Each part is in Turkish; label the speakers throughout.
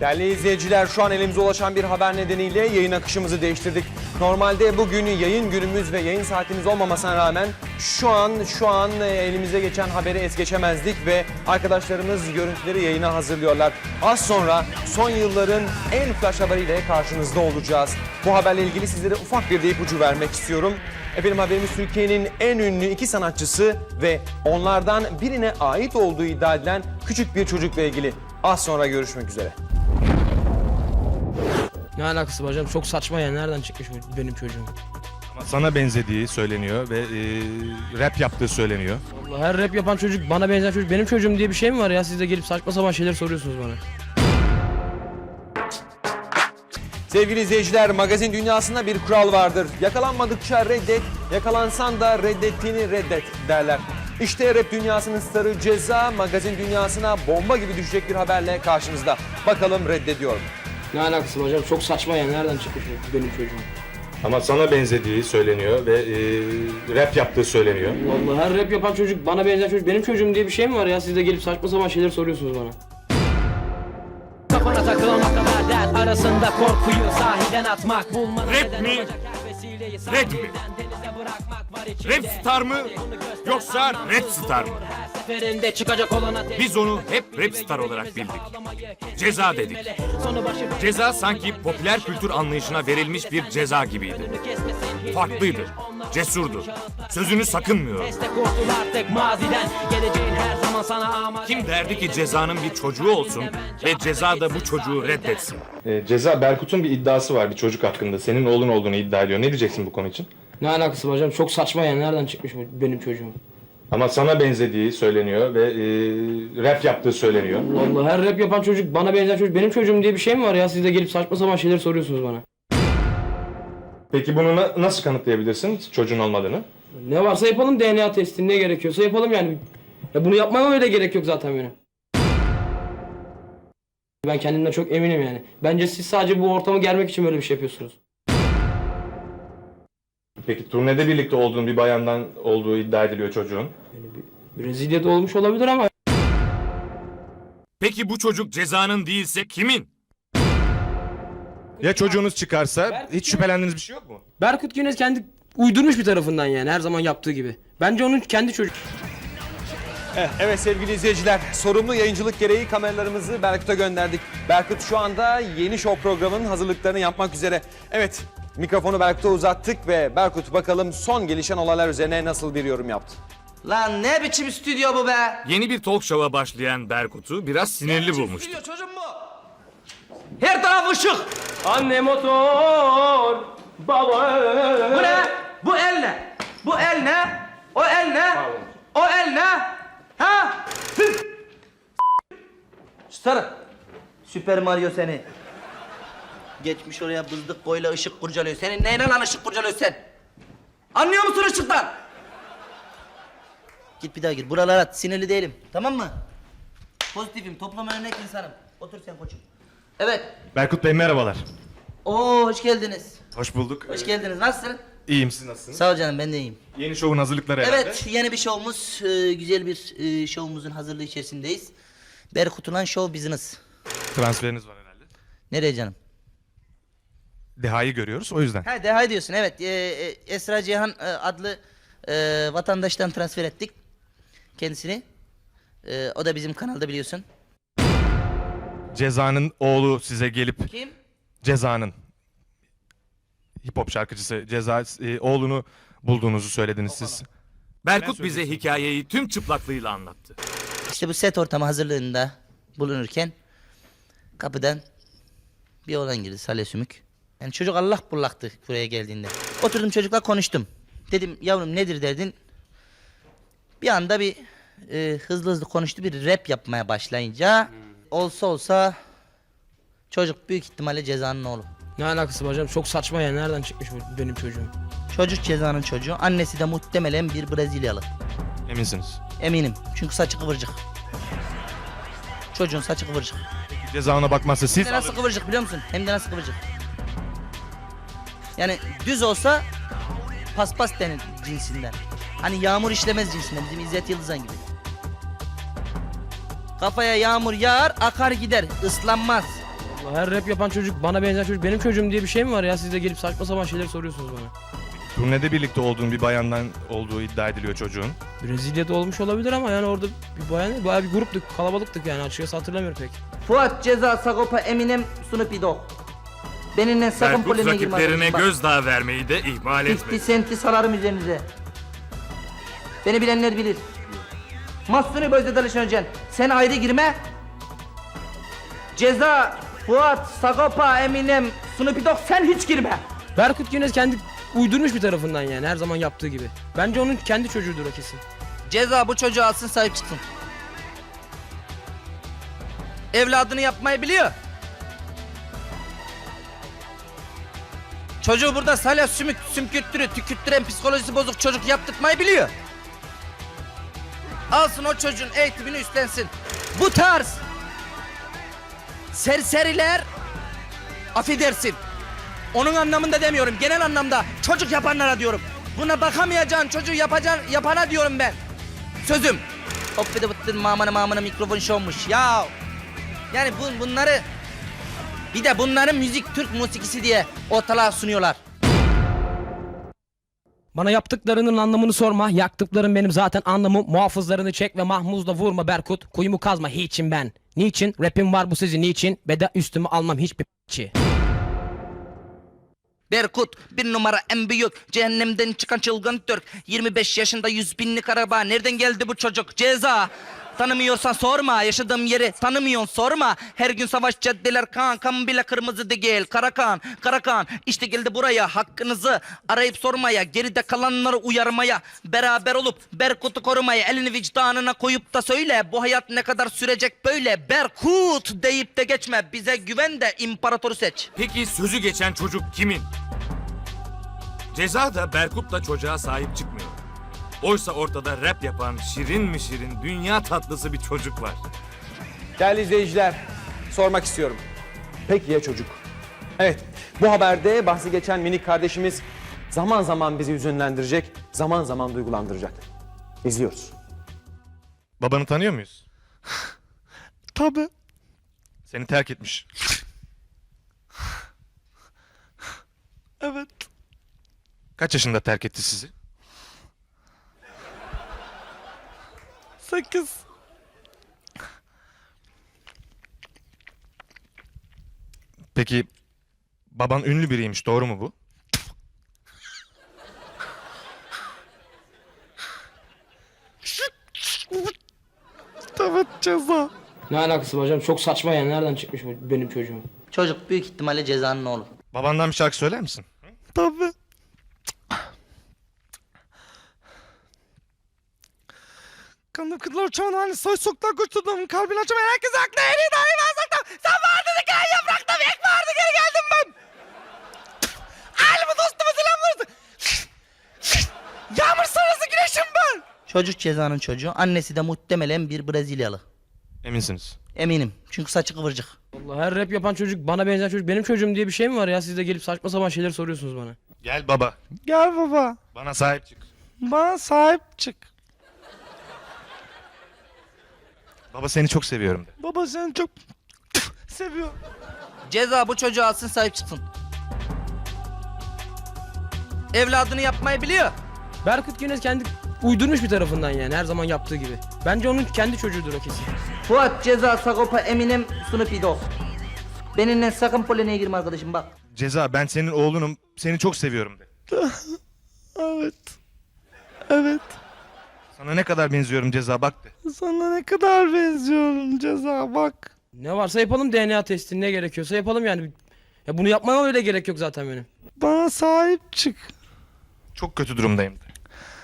Speaker 1: Değerli izleyiciler, şu an elimize ulaşan bir haber nedeniyle yayın akışımızı değiştirdik. Normalde bugün yayın günümüz ve yayın saatimiz olmamasına rağmen şu an elimize geçen haberi es geçemezdik ve arkadaşlarımız görüntüleri yayına hazırlıyorlar. Az sonra son yılların en flash haberiyle karşınızda olacağız. Bu haberle ilgili sizlere ufak bir de ipucu vermek istiyorum. Efendim, haberimiz Türkiye'nin en ünlü iki sanatçısı ve onlardan birine ait olduğu iddia edilen küçük bir çocukla ilgili. Az sonra görüşmek üzere.
Speaker 2: Ne alakası var hocam? Çok saçma ya. Nereden çıkmış bu benim çocuğum?
Speaker 3: Ama sana benzediği söyleniyor ve rap yaptığı söyleniyor.
Speaker 2: Allah, her rap yapan çocuk, bana benzer çocuk benim çocuğum diye bir şey mi var ya? Siz de gelip saçma sapan şeyler soruyorsunuz bana.
Speaker 1: Sevgili izleyiciler, magazin dünyasında bir kural vardır. Yakalanmadıkça reddet, yakalansan da reddettiğini reddet derler. İşte rap dünyasının starı Ceza, magazin dünyasına bomba gibi düşecek bir haberle karşınızda. Bakalım reddediyor mu?
Speaker 2: Ne alakası var hocam? Çok saçma ya. Nereden çıkmış bu benim çocuğum?
Speaker 3: Ama sana benzediği söyleniyor ve rap yaptığı söyleniyor.
Speaker 2: Allah, her rap yapan çocuk, bana benzer çocuk benim çocuğum diye bir şey mi var ya? Siz de gelip saçma sapan şeyler soruyorsunuz bana.
Speaker 4: Kafana takılan o kadar dert arasında korkuyu sahiden atmak bulmanın
Speaker 5: Rap mi? Red mi? Rap star mı? Yoksa rap star mı?
Speaker 4: seferinde çıkacak olan ateş.
Speaker 5: Biz onu hep rap star olarak bildik. Ceza dedik. Ceza sanki popüler kültür anlayışına verilmiş bir ceza gibiydi. Farklıydı, cesurdu, sözünü sakınmıyordu. Kim derdi ki Ceza'nın bir çocuğu olsun ve Ceza da bu çocuğu reddetsin?
Speaker 3: Ceza, Berkut'un bir iddiası var bir çocuk hakkında. Senin oğlun olduğunu iddia ediyor. Ne diyeceksin bu konu için?
Speaker 2: Ne alakası var hocam? Çok saçma ya. Nereden çıkmış bu benim çocuğum?
Speaker 3: Ama sana benzediği söyleniyor ve rap yaptığı söyleniyor.
Speaker 2: Allah, her rap yapan çocuk, bana benzer çocuk benim çocuğum diye bir şey mi var ya? Siz de gelip saçma sapan şeyler soruyorsunuz bana.
Speaker 3: Peki bunu nasıl kanıtlayabilirsin çocuğun olmadığını?
Speaker 2: Ne varsa yapalım, DNA testi, ne gerekiyorsa yapalım yani. Ya bunu yapmama öyle gerek yok zaten benim. Ben kendimden çok eminim yani. Bence siz sadece bu ortamı germek için böyle bir şey yapıyorsunuz.
Speaker 3: Peki turnede birlikte olduğun bir bayandan olduğu iddia ediliyor çocuğun.
Speaker 2: Brezilya'da olmuş olabilir ama...
Speaker 5: Peki bu çocuk Ceza'nın değilse kimin?
Speaker 3: Ya çocuğunuz çıkarsa hiç şüphelendiğiniz bir şey yok mu?
Speaker 2: Berkut Güneş kendi uydurmuş bir tarafından yani, her zaman yaptığı gibi. Bence onun kendi çocuk.
Speaker 1: Evet sevgili izleyiciler, sorumlu yayıncılık gereği kameralarımızı Berkut'a gönderdik. Berkut şu anda yeni show programının hazırlıklarını yapmak üzere. Evet, mikrofonu Berkut'a uzattık ve Berkut bakalım son gelişen olaylar üzerine nasıl bir yorum yaptı.
Speaker 6: Lan ne biçim stüdyo bu be?
Speaker 5: Yeni bir talk show'a başlayan Berkut'u biraz sinirli bulmuştu.
Speaker 6: Stüdyo çocuğum bu. Her taraf ışık.
Speaker 2: Anne motor, baba...
Speaker 6: Bu ne? Bu el ne? Bu el ne? O el ne? O el ne? Ha? Sarı. Süper Mario seni. Geçmiş oraya bızdık boyla ışık kurcalıyor. Senin neyle lan ışık kurcalıyor sen? Anlıyor musun ışıktan? Git bir daha gir. Buralara at. Sinirli değilim. Tamam mı? Pozitifim. Topluma örnek insanım. Otur sen koçum. Evet.
Speaker 3: Berkut Bey merhabalar.
Speaker 6: Oo hoş geldiniz.
Speaker 3: Hoş bulduk.
Speaker 6: Hoş geldiniz. Nasılsın?
Speaker 3: İyiyim, siz nasılsınız?
Speaker 6: Sağ ol canım, ben de iyiyim.
Speaker 3: Yeni şovun hazırlıkları herhalde.
Speaker 6: Evet, yeni bir şovumuz, güzel bir şovumuzun hazırlığı içerisindeyiz. Berkutulan Show Business.
Speaker 3: Transferiniz var herhalde.
Speaker 6: Nereye canım?
Speaker 3: Deha'yı görüyoruz o yüzden.
Speaker 6: Ha, Deha diyorsun, evet. Esra Cihan adlı vatandaştan transfer ettik kendisini. O da bizim kanalda, biliyorsun.
Speaker 3: Ceza'nın oğlu size gelip...
Speaker 6: Kim?
Speaker 3: Ceza'nın hip hop şarkıcısı Ceza oğlunu bulduğunuzu söylediniz siz.
Speaker 5: Berkut bize hikayeyi tüm çıplaklığıyla anlattı.
Speaker 6: İşte bu set ortamı hazırlığında bulunurken kapıdan bir oğlan girdi, Salih Sümük. Yani çocuk Allah bullaktı buraya geldiğinde. Oturdum çocukla konuştum. Dedim yavrum nedir derdin? Bir anda bir hızlı hızlı konuştu, bir rap yapmaya başlayınca olsa çocuk büyük ihtimalle Ceza'nın oğlu.
Speaker 2: Ne alakası var hocam? Çok saçma ya. Nereden çıkmış bu benim çocuğum?
Speaker 6: Çocuk Ceza'nın çocuğu. Annesi de muhtemelen bir Brezilyalı.
Speaker 3: Eminsiniz.
Speaker 6: Eminim. Çünkü saçı kıvırcık. Çocuğun saçı kıvırcık.
Speaker 3: Ceza ona bakmazsa siz...
Speaker 6: Hem de nasıl kıvırcık biliyor musun? Hem de nasıl kıvırcık. Yani düz olsa paspas denir cinsinden. Hani yağmur işlemez cinsinden. Bizim İzzet Yıldızan gibi. Kafaya yağmur yağar, akar gider, ıslanmaz.
Speaker 2: Her rap yapan çocuk, bana benzer çocuk benim çocuğum diye bir şey mi var ya? Siz de gelip saçma sapan şeyler soruyorsunuz bana.
Speaker 3: Turnede birlikte olduğun bir bayandan olduğu iddia ediliyor çocuğun.
Speaker 2: Brezilya'da olmuş olabilir ama yani orada bir bayan, bayağı bir gruptuk, kalabalıktık yani, açıkçası hatırlamıyorum pek.
Speaker 6: Fuat, Ceza, Sagopa, Eminem, Snoop Dogg. Benimle sakın
Speaker 5: Berkut
Speaker 6: polemiğe girme
Speaker 5: rakiplerine
Speaker 6: arkadaşım. Bak,
Speaker 5: gözdağı vermeyi de ihmal
Speaker 6: 50
Speaker 5: etmedi.
Speaker 6: Cent'i salarım üzerinize. Beni bilenler bilir. Mahsuni Bözde Dalış Öncan, sen ayrı girme. Ceza, Fuat, Sagopa, Eminem, Snoop Dogg, sen hiç girme.
Speaker 2: Berkut Güneş kendi uydurmuş bir tarafından yani, her zaman yaptığı gibi. Bence onun kendi çocuğudur o kesin.
Speaker 6: Ceza bu çocuğu alsın, sahip çıksın. Evladını yapmayı biliyor. Çocuğu burada salya sümkürttürü, tükürttüren psikolojisi bozuk çocuk yaptırtmayı biliyor. Alsın o çocuğun eğitimini üstlensin. Bu tarz serseriler, affedersin, onun anlamında demiyorum, genel anlamda çocuk yapanlara diyorum. Buna bakamayacağın çocuğu yapana diyorum ben. Sözüm. Hop bir de bıttın mamana mikrofon şovmuş ya. Yani bunları, bir de bunların müzik Türk musikisi diye ortalığa sunuyorlar.
Speaker 2: Bana yaptıklarının anlamını sorma. Yaktıklarım benim zaten anlamım. Muhafızlarını çek ve mahmuzla vurma Berkut. Kuyumu kazma hiçim ben. Niçin? Rapim var bu sizin niçin? Beda üstüme almam hiçbir p***çi.
Speaker 6: Berkut bir numara en büyük, cehennemden çıkan çılgın Türk. 25 yaşında 100 binlik araba, nereden geldi bu çocuk? Ceza. Tanımıyorsan sorma, yaşadığım yeri tanımıyorsun sorma. Her gün savaş caddeler kan bile kırmızı değil. Karakan işte geldi buraya, hakkınızı arayıp sormaya, geride kalanları uyarmaya, beraber olup Berkut'u korumaya, elini vicdanına koyup da söyle, bu hayat ne kadar sürecek böyle? Berkut deyip de geçme, bize güven de imparatoru seç.
Speaker 5: Peki sözü geçen çocuk kimin? Ceza da Berkut'la çocuğa sahip çıkmıyor. Oysa ortada rap yapan şirin mi şirin, dünya tatlısı bir çocuk var.
Speaker 1: Değerli izleyiciler, sormak istiyorum. Peki ya çocuk? Evet, bu haberde bahsi geçen minik kardeşimiz zaman zaman bizi hüzünlendirecek, zaman zaman duygulandıracak. İzliyoruz.
Speaker 3: Babanı tanıyor muyuz? Tabii. Seni terk etmiş. Evet. Kaç yaşında terk etti sizi? 8. Peki baban ünlü biriymiş, doğru mu bu? Evet, Ceza.
Speaker 2: Ne alakası var hocam? Çok saçma yani. Nereden çıkmış bu benim çocuğum?
Speaker 6: Çocuk büyük ihtimalle Ceza'nın oğlu.
Speaker 3: Babandan bir şarkı söyler misin? Tabii. Kanım kızlar uçağın halini soy soktan kurtuldum. Kalbini açamayan herkese haklı en iyi dahi ben saklam. Sen vardın hikaye yaprakta ek vardı geri geldim ben. Ailemi dostumu selam vardı. Yağmur sonrası güneşim ben.
Speaker 6: Çocuk Ceza'nın çocuğu, annesi de muhtemelen bir Brezilyalı.
Speaker 3: Eminsiniz.
Speaker 6: Eminim, çünkü saçı kıvırcık.
Speaker 2: Allah, her rap yapan çocuk, bana benzer çocuk benim çocuğum diye bir şey mi var ya? Siz de gelip saçma sapan şeyler soruyorsunuz bana.
Speaker 3: Gel baba. Gel baba. Bana sahip çık. Bana sahip çık. Baba seni çok seviyorum de. Baba seni çok seviyorum.
Speaker 6: Ceza bu çocuğu alsın, sahip çıksın. Evladını yapmayı biliyor.
Speaker 2: Berkut Güneş kendi uydurmuş bir tarafından yani, her zaman yaptığı gibi. Bence onun kendi çocuğudur o kesin.
Speaker 6: Fuat, Ceza, Sagopa, Eminem, Snoop Dogg. Benimle sakın polemiğe girme arkadaşım, bak.
Speaker 3: Ceza, ben senin oğlunum. Seni çok seviyorum de. Evet. Evet. Sana ne kadar benziyorum Ceza, bak de. Sana ne kadar benziyorum Ceza, bak.
Speaker 2: Ne varsa yapalım, DNA testi, ne gerekiyorsa yapalım yani. Ya bunu yapmama öyle gerek yok zaten benim.
Speaker 3: Bana sahip çık. Çok kötü durumdayım de.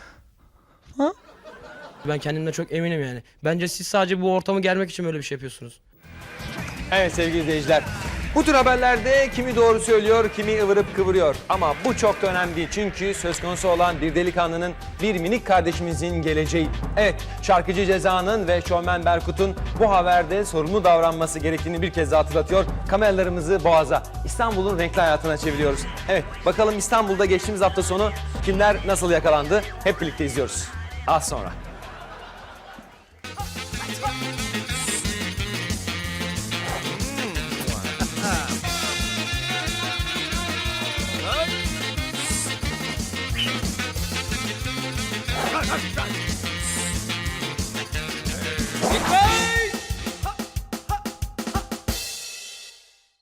Speaker 2: Ben kendimden çok eminim yani. Bence siz sadece bu ortamı germek için böyle bir şey yapıyorsunuz.
Speaker 1: Evet sevgili izleyiciler, bu tür haberlerde kimi doğru söylüyor, kimi ıvırıp kıvırıyor. Ama bu çok da önemli değil, çünkü söz konusu olan bir delikanlının, bir minik kardeşimizin geleceği. Evet, şarkıcı Ceza'nın ve şovmen Berkut'un bu haberde sorumlu davranması gerektiğini bir kez daha hatırlatıyor. Kameralarımızı Boğaz'a, İstanbul'un renkli hayatına çeviriyoruz. Evet, bakalım İstanbul'da geçtiğimiz hafta sonu kimler nasıl yakalandı? Hep birlikte izliyoruz. Az sonra.
Speaker 5: hadi, hadi.